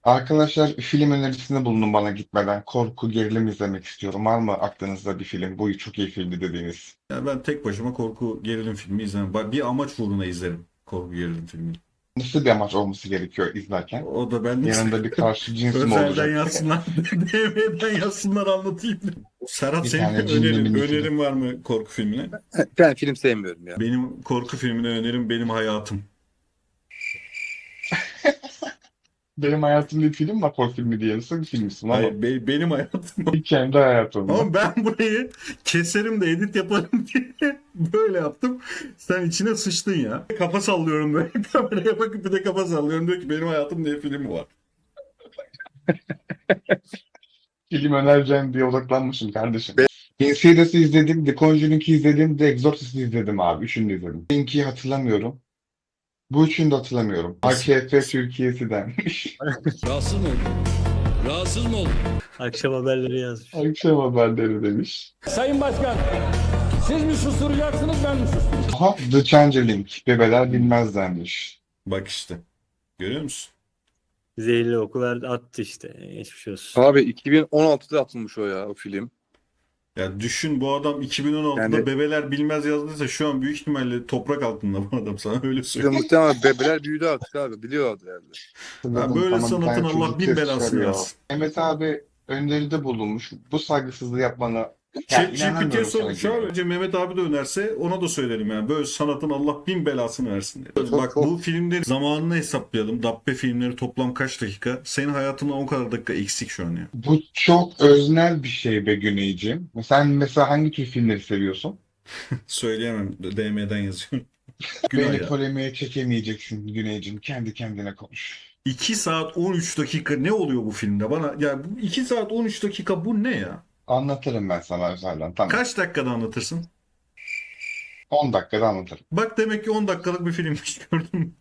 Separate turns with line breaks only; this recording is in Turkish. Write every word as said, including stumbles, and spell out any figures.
Arkadaşlar film önerisinde bulunun bana gitmeden. Korku, gerilim izlemek istiyorum. Var mı aklınızda bir film? Bu çok iyi filmdi dediğiniz.
Yani ben tek başıma korku gerilim filmi izlemem. Ba- Bir amaç uğruna izlerim korku gerilim filmini.
Nasıl bir amaç olması gerekiyor izlerken?
O da ben
Yanında bir karşı cins mi
özelden
olacak?
yazsınlar, D M'den yazsınlar anlatayım. Serhat
Bir
senin
tane cinli
önerin,
mini film.
önerin var mı korku filmine?
Ben film sevmiyorum ya.
Benim korku filmine önerim Benim Hayatım.
Benim hayatımda bir film var, korku filmi diye. Nasıl bir filmsin ama?
Hayır, be- benim hayatım.
Kendi hayatımda.
Ama ben burayı keserim de edit yaparım diye böyle yaptım. Sen içine sıçtın ya. Kafa sallıyorum böyle kameraya bakıp bir de kafa sallıyorum. Diyor ki Benim Hayatım diye film var.
Film önereceğim diye odaklanmışım kardeşim. Insidious'ı izledim, The Conjuring'i izledim, The Exorcist'i izledim abi. Üçünü de izledim. Link'i hatırlamıyorum. Bu üçünü de hatırlamıyorum. A K F Türkiye'si denmiş.
Rahatsız mı oldun? Rahatsız mı oldun?
Akşam haberleri yazmış.
Akşam haberleri demiş.
Sayın Başkan, siz mi susturacaksınız ben mi susturacağım?
Aha, The Changeling. Bebeler bilmez denmiş.
Bak işte. Görüyor musun?
Zehirli oku verdi attı işte. Geçmiş olsun.
Abi iki bin on altıda atılmış o ya o film.
Ya düşün, bu adam iki bin on altıda
Yani-
Bebeler Bilmez yazdıysa şu an büyük ihtimalle toprak altında bu adam, sana öyle
Bir de
söyleyeyim.
muhtemelen bebeler büyüdü artık abi. Biliyorlardı herhalde.
Ya böyle
Tamam, bir
sanatın
tane
Allah
çocuk
bin
ses
belasını
çıkarıyor.
versin.
Mehmet abi öneride bulunmuş. Bu saygısızlığı yapmana
Chat
ya,
G P T'ye
inanamıyorum sana
sor. Şu
gibi.
an önce Mehmet abi de önerse ona da söylerim yani. Böyle sanatın Allah bin belasını versin diye.
Çok-
Bak
çok-
bu filmlerin zamanını hesaplayalım. Dabbe filmleri toplam kaç dakika? Senin hayatından o kadar dakika eksik şu an ya.
Bu çok öznel bir şey be Güneyciğim. Sen mesela hangi tür filmleri seviyorsun?
Söyleyemem. D M'den yazıyorum. Günah
Beni
ya.
polemiğe çekemeyeceksin Güneyciğim. Kendi kendine konuş.
iki saat on üç dakika ne oluyor bu filmde? Bana ya bu iki saat on üç dakika bu ne ya?
Anlatırım ben sana özelden. Tamam.
Kaç dakikada anlatırsın?
on dakikada anlatırım.
Bak demek ki on dakikalık bir filmmiş, gördün mü?